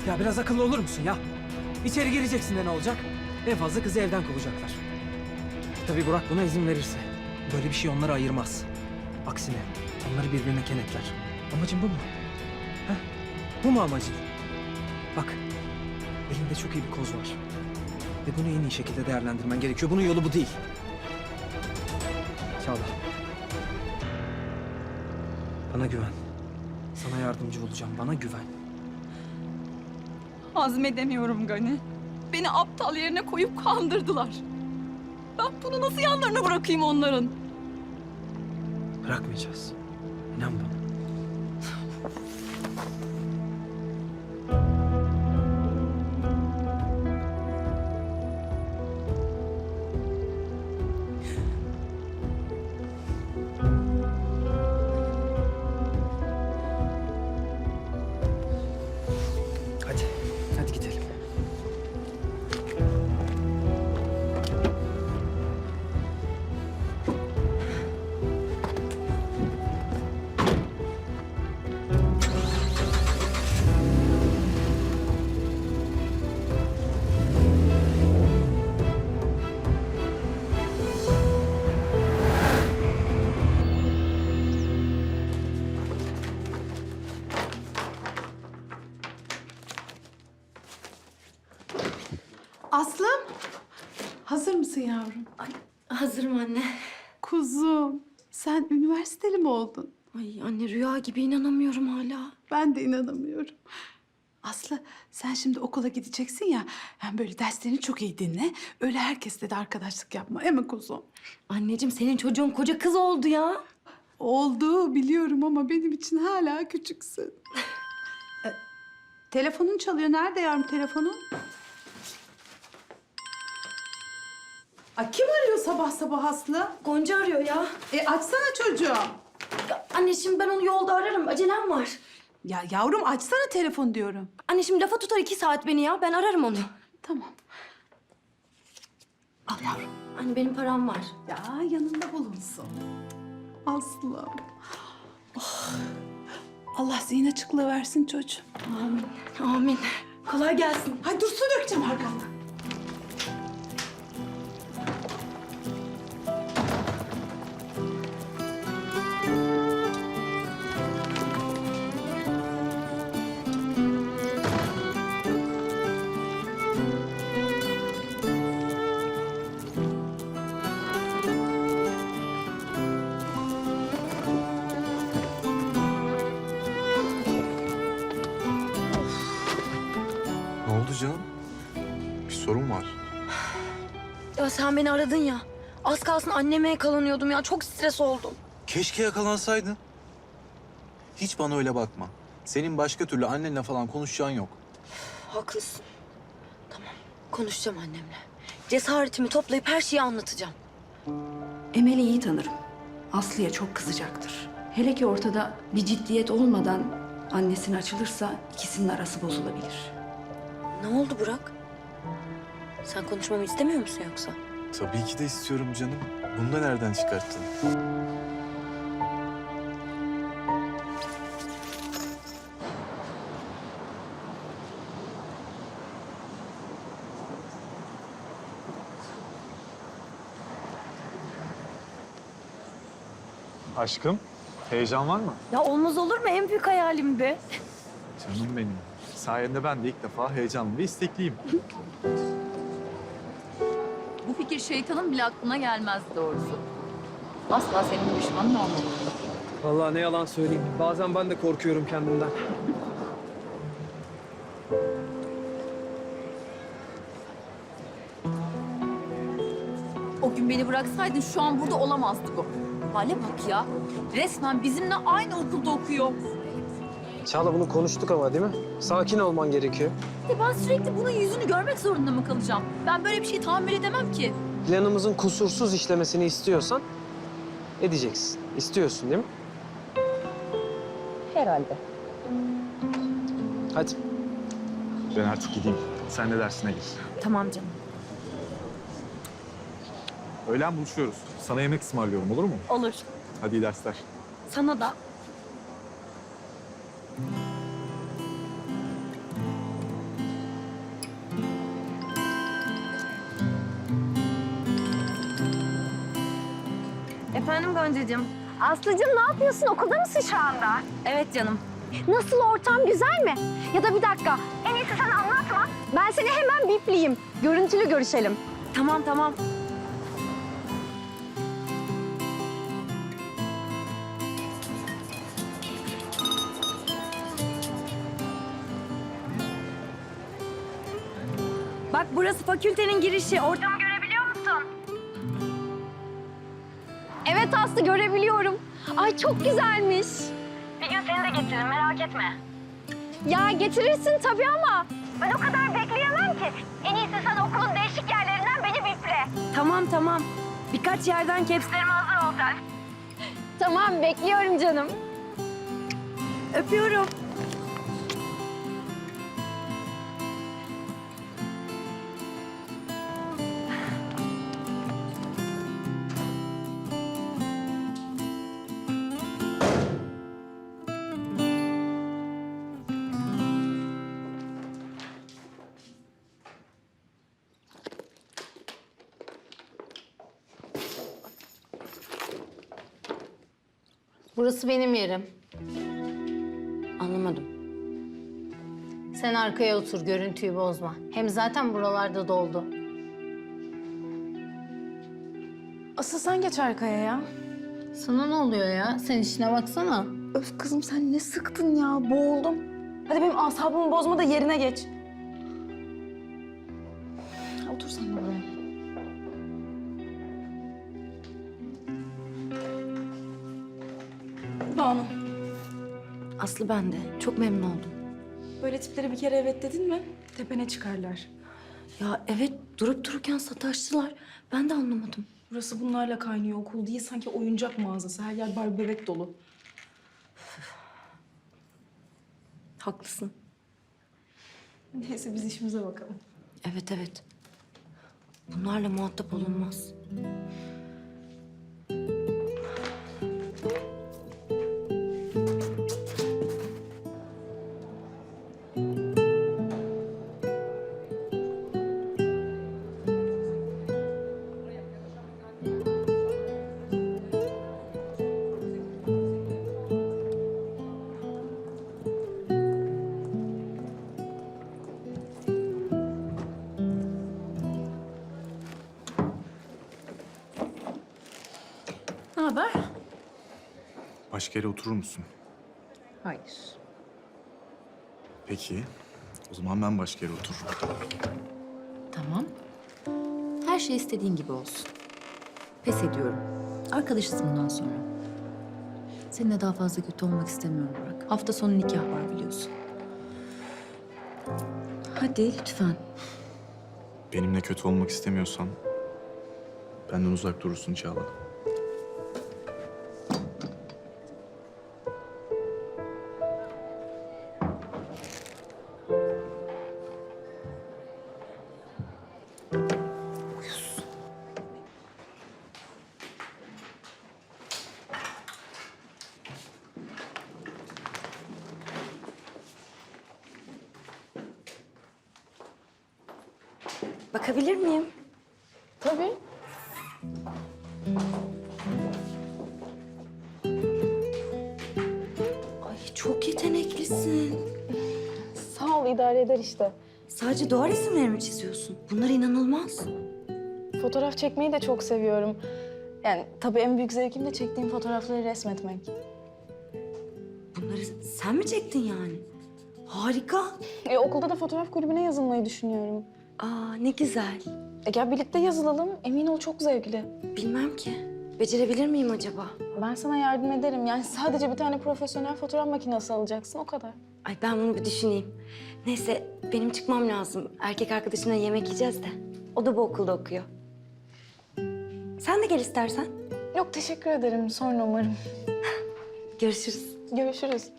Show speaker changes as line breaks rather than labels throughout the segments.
Ya biraz akıllı olur musun ya? İçeri gireceksin de ne olacak? En fazla kızı evden kovacaklar. Tabii Burak buna izin verirse. Böyle bir şey onları ayırmaz. Aksine onları birbirine kenetler. Amacın bu mu? Ha? Bu mu amacın? Bak, elinde çok iyi bir koz var. Ve bunu en iyi şekilde değerlendirmen gerekiyor. Bunun yolu bu değil. Çağla. Bana güven. Sana yardımcı olacağım. Bana güven.
Hazmedemiyorum Gani. Beni aptal yerine koyup kandırdılar. Ben bunu nasıl yanlarına bırakayım onların?
Bırakmayacağız. İnan bana. Hadi. Hadi gidelim.
Aslım, hazır mısın yavrum?
Ay, hazırım anne.
Kuzum, sen üniversiteli mi oldun?
Ay anne rüya gibi inanamıyorum hala.
Ben de inanamıyorum. Aslı, sen şimdi okula gideceksin ya, yani böyle derslerini çok iyi dinle. Öyle herkesle de arkadaşlık yapma, değil mi kuzum?
Anneciğim senin çocuğun koca kız oldu ya.
Oldu, biliyorum ama benim için hala küçüksün. Telefonun çalıyor. Nerede yavrum telefonun? Ay, kim arıyor sabah sabah Aslı?
Gonca arıyor ya.
Açsana çocuğum.
Ya anne şimdi ben onu yolda ararım. Acelem var.
Ya yavrum açsana telefon diyorum.
Anne şimdi lafa tutar 2 saat beni ya. Ben ararım onu.
Tamam. Al yavrum.
Anne benim param var.
Ya yanında bulunsun. Aslım. Oh. Allah zihin açıklığı versin çocuğum.
Amin. Amin. Kolay gelsin.
Hay dur, su dökeceğim arkandan.
Ne oldu canım? Bir sorun var.
Ya sen beni aradın ya. Az kalsın anneme yakalanıyordum ya. Çok stres oldum.
Keşke yakalansaydın. Hiç bana öyle bakma. Senin başka türlü annenle falan konuşacağın yok.
Haklısın. Tamam. Konuşacağım annemle. Cesaretimi toplayıp her şeyi anlatacağım.
Emel'i iyi tanırım. Aslı'ya çok kızacaktır. Hele ki ortada bir ciddiyet olmadan annesine açılırsa ikisinin arası bozulabilir.
Ne oldu Burak? Sen konuşmamı istemiyor musun yoksa?
Tabii ki de istiyorum canım. Bunu da nereden çıkarttın?
Aşkım, heyecan var mı?
Ya olmaz olur mu? En büyük hayalimdi.
Canım benim. Sayende ben de ilk defa heyecanlı ve istekliyim.
Bu fikir şeytanın bile aklına gelmez doğrusu. Asla senin düşmanın olmamalı.
Vallahi ne yalan söyleyeyim. Bazen ben de korkuyorum kendimden.
O gün beni bıraksaydın şu an burada olamazdı bu. Hale bak ya. Resmen bizimle aynı okulda okuyor.
Çağla bunu konuştuk ama değil mi? Sakin olman gerekiyor.
Ben sürekli bunun yüzünü görmek zorunda mı kalacağım? Ben böyle bir şey tahammül edemem ki.
Planımızın kusursuz işlemesini istiyorsan edeceksin. İstiyorsun değil mi?
Herhalde.
Hadi.
Ben artık gideyim. Sen de dersine gir.
Tamam canım.
Öğlen buluşuyoruz. Sana yemek ısmarlıyorum, olur mu?
Olur.
Hadi iyi dersler.
Sana da. Efendim Goncacığım?
Aslıcığım ne yapıyorsun? Okulda mısın şu anda?
Evet canım.
Nasıl ortam, güzel mi? Ya da bir dakika, en iyisi sen anlatma. Ben seni hemen bipleyeyim. Görüntülü görüşelim.
Tamam tamam. Bak burası fakültenin girişi. Ortamı görebiliyor musun?
Evet Aslı, görebiliyorum. Ay çok güzelmiş.
Bir gün seni de getiririm merak etme.
Ya getirirsin tabii ama ben o kadar bekleyemem ki. En iyisi sen okulun değişik yerlerinden beni biple.
Tamam tamam. Birkaç yerden kepslerime hazır ol sen.
Tamam, bekliyorum canım.
Öpüyorum.
Burası benim yerim.
Anlamadım.
Sen arkaya otur, görüntüyü bozma. Hem zaten buralarda doldu.
Asıl sen geç arkaya ya.
Sana ne oluyor ya? Sen işine baksana.
Öf kızım sen ne sıktın ya, boğuldum. Hadi benim asabımı bozma da yerine geç. Otur sen de buraya. Banu,
Aslı ben de. Çok memnun oldum.
böyle tiplere bir kere evet dedin mi tepene çıkarlar.
Ya evet durup dururken sataştılar. Ben de anlamadım.
Burası bunlarla kaynıyor, okul değil sanki oyuncak mağazası. Her yer Barbie bebek dolu.
Haklısın.
Neyse biz işimize bakalım.
Evet evet. Bunlarla muhatap olunmaz.
Ne haber?
Başka yere oturur musun?
Hayır.
Peki. O zaman ben başka yere otururum.
Tamam. Her şey istediğin gibi olsun. Pes ediyorum. Arkadaşız bundan sonra. Seninle daha fazla kötü olmak istemiyorum Burak. Hafta sonu nikah var biliyorsun. Hadi lütfen.
Benimle kötü olmak istemiyorsan benden uzak durursun Çağla.
Bakabilir miyim?
Tabii.
Ay çok yeteneklisin.
Sağ ol, idare eder işte.
Sadece doğa resimleri mi çiziyorsun? Bunlar inanılmaz.
Fotoğraf çekmeyi de çok seviyorum. Yani tabii en büyük zevkim de çektiğim fotoğrafları resmetmek.
Bunları sen mi çektin yani? Harika.
Okulda da fotoğraf kulübüne yazılmayı düşünüyorum.
Aa ne güzel.
Gel birlikte yazılalım. Emin ol çok zevkli.
Bilmem ki. Becerebilir miyim acaba?
Ben sana yardım ederim. Yani sadece bir tane profesyonel fotoğraf makinesi alacaksın, o kadar.
Ay ben bunu bir düşüneyim. Neyse benim çıkmam lazım. Erkek arkadaşımla yemek yiyeceğiz de. O da bu okulda okuyor. Sen de gel istersen.
Yok teşekkür ederim. Sonra umarım.
Görüşürüz.
Görüşürüz.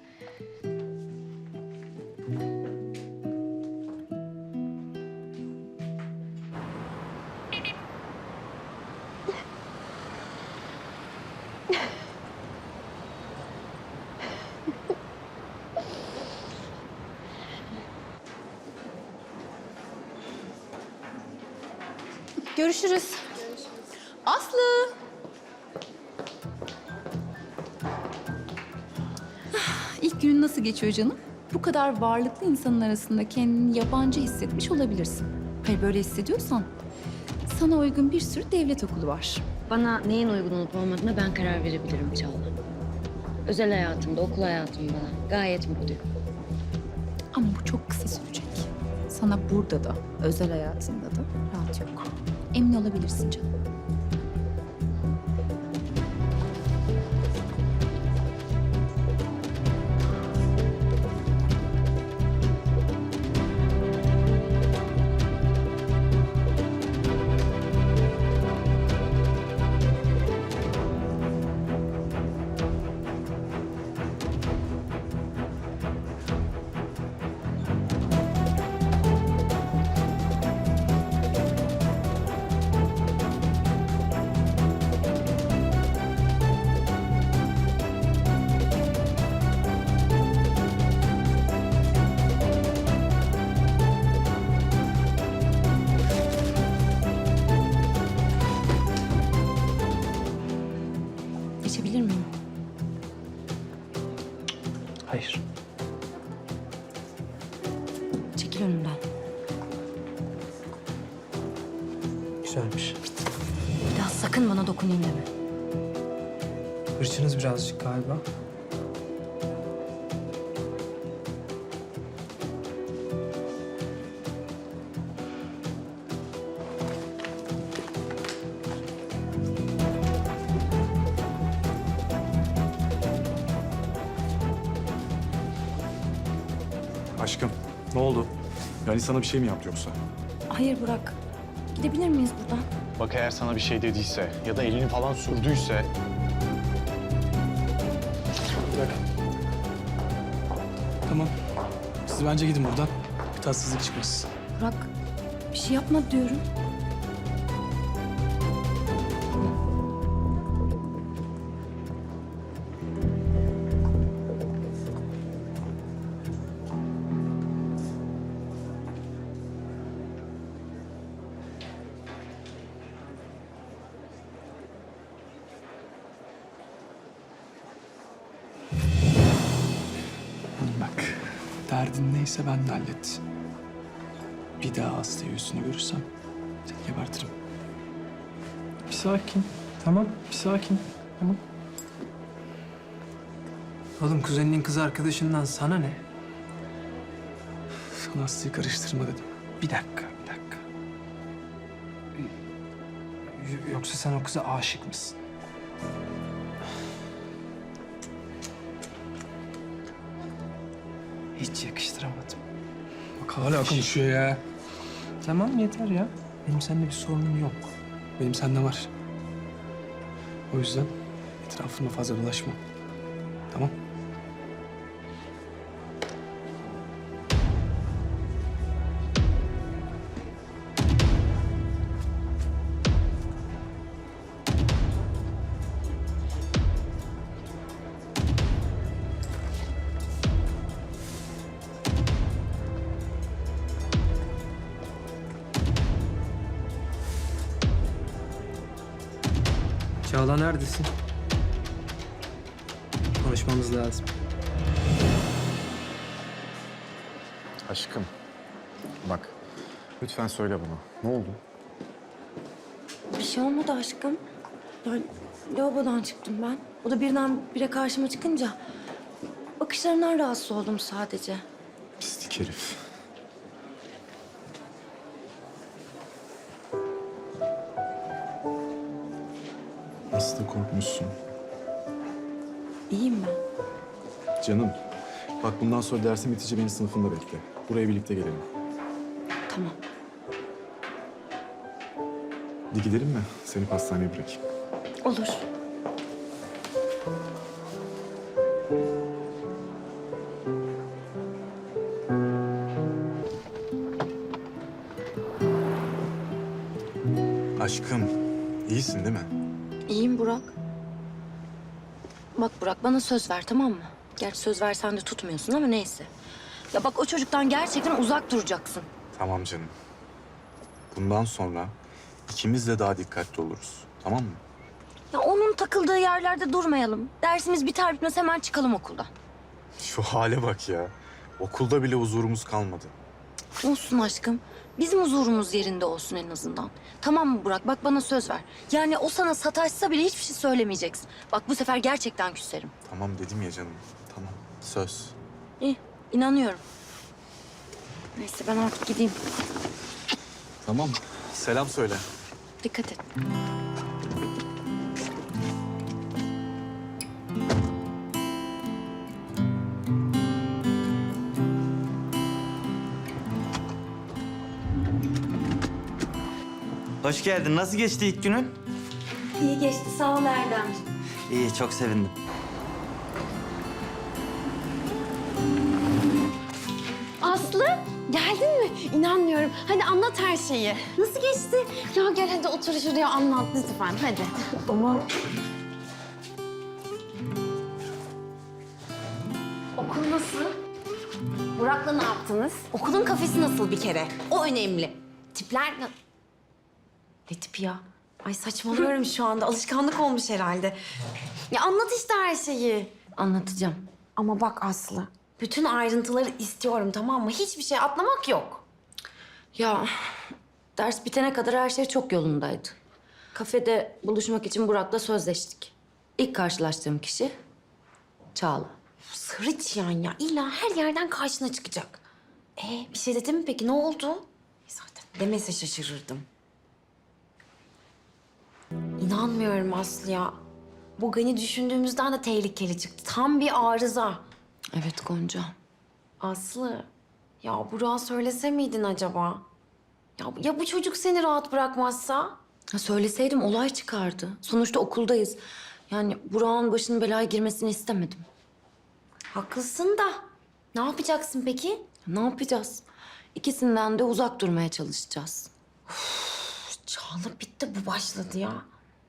Görüşürüz. Aslı. Günün nasıl geçiyor canım? Bu kadar varlıklı insanın arasında kendini yabancı hissetmiş olabilirsin. Hayır, böyle hissediyorsan sana uygun bir sürü devlet okulu var.
Bana neyin uygun olup olmadığına ben karar verebilirim Çağla. Özel hayatımda, okul hayatımda gayet mutluyum.
Ama bu çok kısa sürecek. Sana burada da, özel hayatında da rahat yok. Emin olabilirsin canım.
Geçebilir miyim?
Hayır.
Çekil önümden.
Güzelmiş.
Bir daha sakın bana dokunayım deme.
Hırçınız birazcık galiba.
Aşkım, ne oldu? Yani sana bir şey mi yaptı yoksa?
Hayır Burak. Gidebilir miyiz buradan?
Bak eğer sana bir şey dediyse ya da elini falan sürdüyse...
Bırak. Tamam. Siz bence gidin buradan. Bir tatsızlık çıkmasın.
Burak, bir şey yapma diyorum.
Bak, derdin neyse ben de hallet. Bir daha hastayı yüzünü görürsem seni gebertirim. Bir sakin. Tamam, bir sakin. Tamam.
Oğlum kuzeninin kız arkadaşından sana ne?
Sana hastayı karıştırma dedim.
Bir dakika. Yoksa sen o kıza aşık mısın? Hiç yakıştıramadım.
Bak hala konuşuyor ya.
Tamam yeter ya. Benim seninle bir sorunum yok.
Benim sende var. O yüzden etrafında fazla dolaşma. Tamam?
Çağla neredesin? Konuşmamız lazım.
Aşkım, bak lütfen söyle bana. Ne oldu?
Bir şey olmadı aşkım. Yani lavabodan çıktım ben. O da birdenbire karşıma çıkınca bakışlarından rahatsız oldum sadece.
Pislik herif. Nasıl da korkmuşsun.
İyiyim ben.
Canım, bak bundan sonra dersin bitince beni sınıfında bekle. Buraya birlikte gelelim.
Tamam.
Hadi gidelim mi? Seni pastaneye bırakayım.
Olur.
Aşkım, iyisin değil mi?
İyiyim Burak. Bak Burak bana söz ver tamam mı? Gerçi söz versen de tutmuyorsun ama neyse. Ya bak o çocuktan gerçekten uzak duracaksın.
Tamam canım. Bundan sonra ikimiz de daha dikkatli oluruz. Tamam mı?
Ya onun takıldığı yerlerde durmayalım. Dersimiz biter bitmez hemen çıkalım okuldan.
Şu hale bak ya. Okulda bile huzurumuz kalmadı.
Olsun aşkım. Bizim huzurumuz yerinde olsun en azından. Tamam mı Burak? Bak bana söz ver. Yani o sana sataşsa bile hiçbir şey söylemeyeceksin. Bak bu sefer gerçekten küserim.
Tamam dedim ya canım. Tamam. Söz.
İyi, inanıyorum. Neyse ben artık gideyim.
Tamam. Selam söyle.
Dikkat et.
Hoş geldin. Nasıl geçti ilk günün?
İyi geçti. Sağ ol Erdem.
İyi, çok sevindim.
Aslı, geldin mi? İnanmıyorum. Hadi anlat her şeyi. Nasıl geçti? Ya gel hadi otur şuraya anlat lütfen. Hadi.
Ama
Okul nasıl? Burak'la ne yaptınız?
okulun kafesi nasıl bir kere? O önemli.
Tipler
Ne tipi ya? Ay saçmalıyorum şu anda. Alışkanlık olmuş herhalde.
Ya anlat işte her şeyi.
Anlatacağım.
Ama bak Aslı, bütün ayrıntıları istiyorum tamam mı? Hiçbir şey atlamak yok.
Ya ders bitene kadar her şey çok yolundaydı. Kafede buluşmak için Burak'la sözleştik. İlk karşılaştığım kişi Çağla.
Sarı çıyan ya. İlla her yerden karşına çıkacak. Bir şey dedi mi peki? Ne oldu?
Zaten demese şaşırırdım.
İnanmıyorum Aslı ya. Bu Gani düşündüğümüzden de tehlikeli çıktı. Tam bir arıza.
Evet Gonca.
Aslı, ya Burak'a söylese miydin acaba? Ya bu çocuk seni rahat bırakmazsa?
Ha, söyleseydim olay çıkardı. Sonuçta okuldayız. Yani Burak'ın başının belaya girmesini istemedim.
Haklısın da. Ne yapacaksın peki?
Ne yapacağız? İkisinden de uzak durmaya çalışacağız.
Çağla bitti bu başladı ya.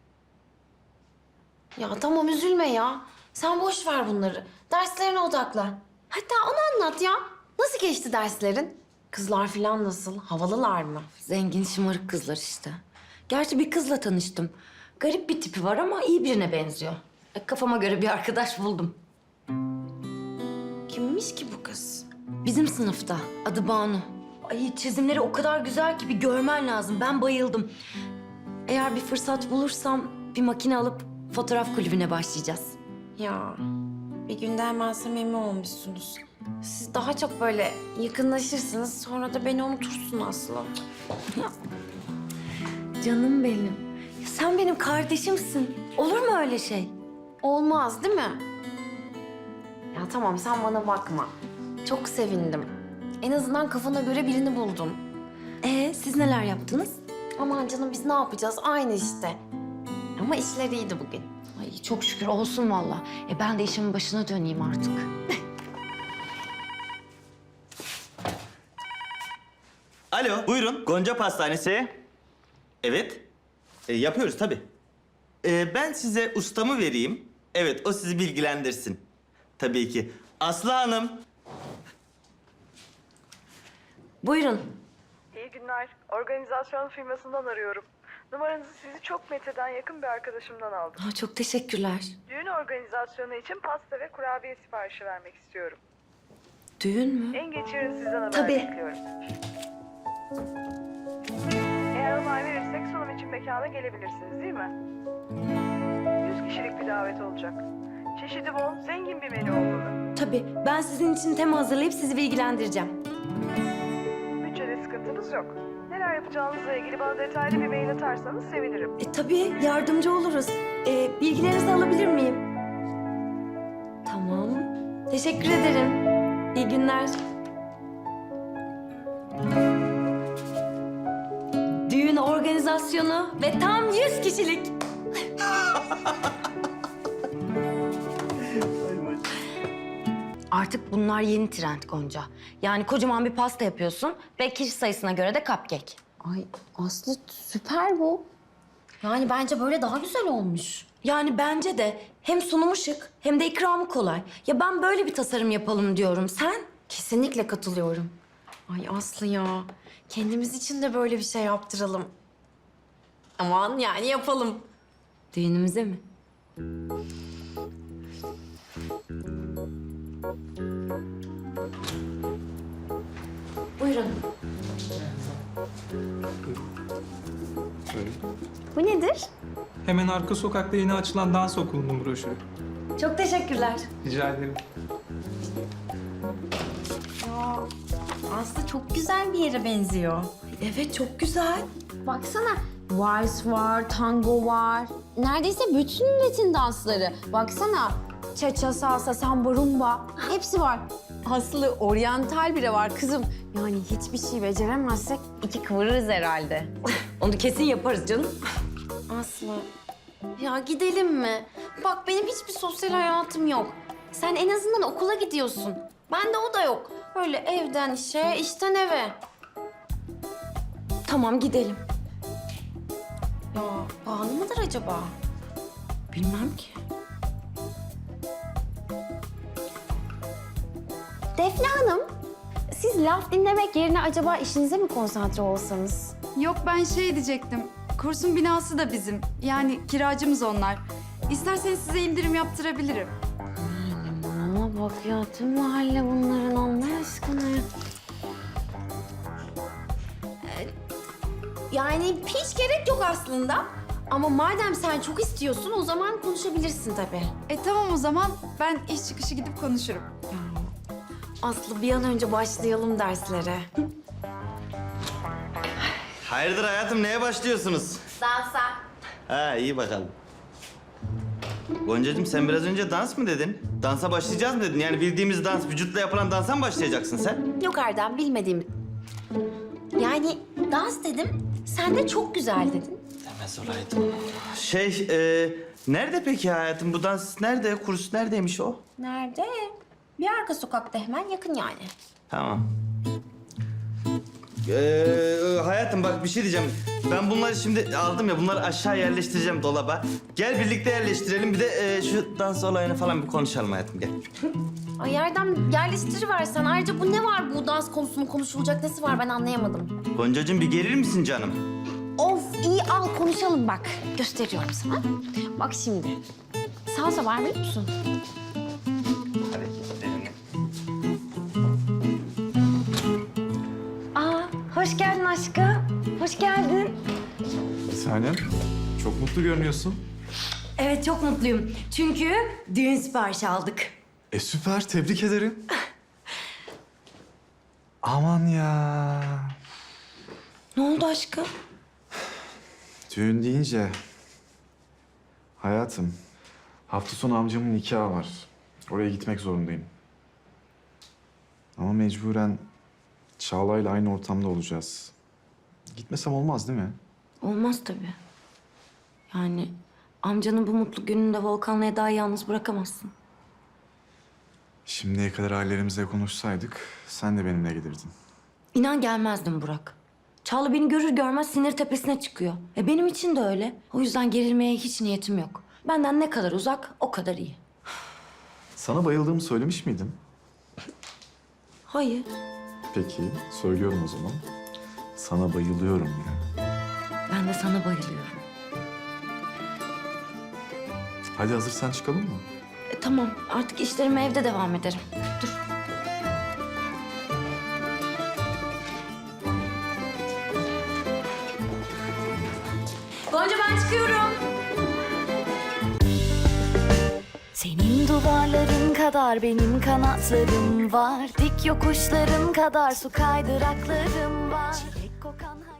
Ya tamam üzülme ya. Sen boş ver bunları. Derslerine odaklan. Hatta onu anlat ya. Nasıl geçti derslerin? Kızlar falan nasıl? Havalılar mı?
Zengin şımarık kızlar işte. Gerçi bir kızla tanıştım. Garip bir tipi var ama iyi birine benziyor. Kafama göre bir arkadaş buldum.
Kimmiş ki bu kız?
Bizim sınıfta. Adı Banu. Ay çizimleri o kadar güzel ki bir görmen lazım. Ben bayıldım. Eğer bir fırsat bulursam bir makine alıp fotoğraf kulübüne başlayacağız.
Ya bir günde hemen samimi olmuşsunuz. Siz daha çok böyle yakınlaşırsınız. Sonra da beni unutursun Aslı.
Canım benim. Ya sen benim kardeşimsin. Olur mu öyle şey?
Olmaz değil mi? Ya tamam sen bana bakma. Çok sevindim. En azından kafana göre birini buldun.
Siz neler yaptınız?
Aman canım biz ne yapacağız? Aynı işte. Ama işler iyiydi bugün.
Ay çok şükür olsun valla. Ben de işimin başına döneyim artık.
Alo, buyurun. Gonca Pastanesi. Evet. Yapıyoruz tabii. Ben size ustamı vereyim. Evet, o sizi bilgilendirsin. Tabii ki. Aslı Hanım.
Buyurun.
İyi günler. Organizasyon firmasından arıyorum. Numaranızı sizi çok Mete'den yakın bir arkadaşımdan aldım.
Çok teşekkürler.
Düğün organizasyonu için pasta ve kurabiye siparişi vermek istiyorum.
Düğün mü?
En geç yarın sizden haber
Tabii.
bekliyorum. Eğer onay verirsek sunum için mekana gelebilirsiniz değil mi? 100 kişilik bir davet olacak. Çeşidi bol, zengin bir menü olmalı.
Tabii. Ben sizin için tema hazırlayıp sizi bilgilendireceğim.
Bütçede sıkıntımız yok. Neler yapacağınızla ilgili bana detaylı bir mail atarsanız sevinirim.
Tabii yardımcı oluruz. Bilgilerinizi alabilir miyim? Tamam. Teşekkür ederim. İyi günler. Düğün organizasyonu ve tam 100 kişilik. Artık bunlar yeni trend Gonca. Yani kocaman bir pasta yapıyorsun ve kişi sayısına göre de cupcake.
Ay Aslı süper bu. Yani bence böyle daha güzel olmuş.
Yani bence de hem sunumu şık hem de ikramı kolay. Ya ben böyle bir tasarım yapalım diyorum. Sen?
Kesinlikle katılıyorum. Ay Aslı ya. Kendimiz için de böyle bir şey yaptıralım. Aman yani yapalım.
Düğünümüze mi?
Buyurun.
Şöyle.
Bu nedir?
Hemen arka sokakta yeni açılan dans okulunun broşürü.
Çok teşekkürler.
Rica ederim.
Aslı çok güzel bir yere benziyor. Evet, çok güzel. Baksana. Vals var, tango var. Neredeyse bütün Latin dansları. Baksana. Cha-cha, salsa, samba, rumba. Hepsi var. Aslı oryantal bile var kızım. Yani hiçbir şey beceremezsek iki kıvırırız herhalde.
Onu kesin yaparız canım.
Aslı. Ya gidelim mi? Bak benim hiçbir sosyal hayatım yok. Sen en azından okula gidiyorsun. Bende o da yok. Böyle evden işe, işten eve.
Tamam gidelim.
Ya pahalı mıdır acaba?
Bilmem ki.
Defne Hanım, siz laf dinlemek yerine acaba işinize mi konsantre olsanız?
Yok ben şey diyecektim. Kursun binası da bizim. Yani kiracımız onlar. İsterseniz size indirim yaptırabilirim.
Ama bak ya tüm mahalle bunların Allah aşkına. Yani hiç gerek yok aslında. Ama madem sen çok istiyorsun o zaman konuşabilirsin tabii.
Tamam o zaman ben iş çıkışı gidip konuşurum.
Aslı bir an önce başlayalım derslere.
Hayırdır hayatım, neye başlıyorsunuz?
Dansa.
Ha, iyi bakalım. Goncacığım sen biraz önce dans mı dedin? Dansa başlayacağız mı dedin? Yani bildiğimiz dans, vücutla yapılan dansa mı başlayacaksın sen?
Yok Erdem bilmediğim. Yani dans dedim, sen de çok güzel dedin.
Demez olaydım. Nerede peki hayatım? Bu dans nerede? Kurs neredeymiş o?
Nerede? Bir arka sokakta hemen yakın yani.
Tamam. Hayatım bak bir şey diyeceğim. Ben bunları şimdi aldım ya, bunları aşağı yerleştireceğim dolaba. Gel birlikte yerleştirelim. Bir de şu dans olayını falan bir konuşalım hayatım, gel.
Ay Erdem yerleştiriversen. Ayrıca bu ne var bu dans konusunun konuşulacak nesi var ben anlayamadım.
Goncacığım bir gelir misin canım?
Of iyi al konuşalım bak. Gösteriyorum sana. Bak şimdi. Salsa var biliyor musun?
Hadi gidelim.
Aa, hoş geldin aşkım. Hoş geldin.
Bir tanem, çok mutlu görünüyorsun.
Evet, çok mutluyum. Çünkü düğün siparişi aldık.
Süper, tebrik ederim. Aman ya.
Ne oldu aşkım?
Düğün deyince... Hayatım, hafta sonu amcamın nikahı var. Oraya gitmek zorundayım. Ama mecburen Çağla'yla aynı ortamda olacağız. Gitmesem olmaz değil mi?
Olmaz tabii. Yani amcanın bu mutlu gününde Volkan'la Eda'yı yalnız bırakamazsın.
Şimdiye kadar ailelerimize konuşsaydık sen de benimle gelirdin.
İnan gelmezdim Burak. Çağla beni görür görmez sinir tepesine çıkıyor. Benim için de öyle. O yüzden gerilmeye hiç niyetim yok. Benden ne kadar uzak o kadar iyi.
Sana bayıldığımı söylemiş miydim?
Hayır.
Peki, söylüyorum o zaman. Sana bayılıyorum ya.
Ben de sana bayılıyorum.
Hadi hazırsan çıkalım mı?
Tamam artık işlerime evde devam ederim. Dur. Gonca ben çıkıyorum.
Senin duvarların kadar benim kanatlarım var. Dik yokuşların kadar su kaydıraklarım var. Çilek kokan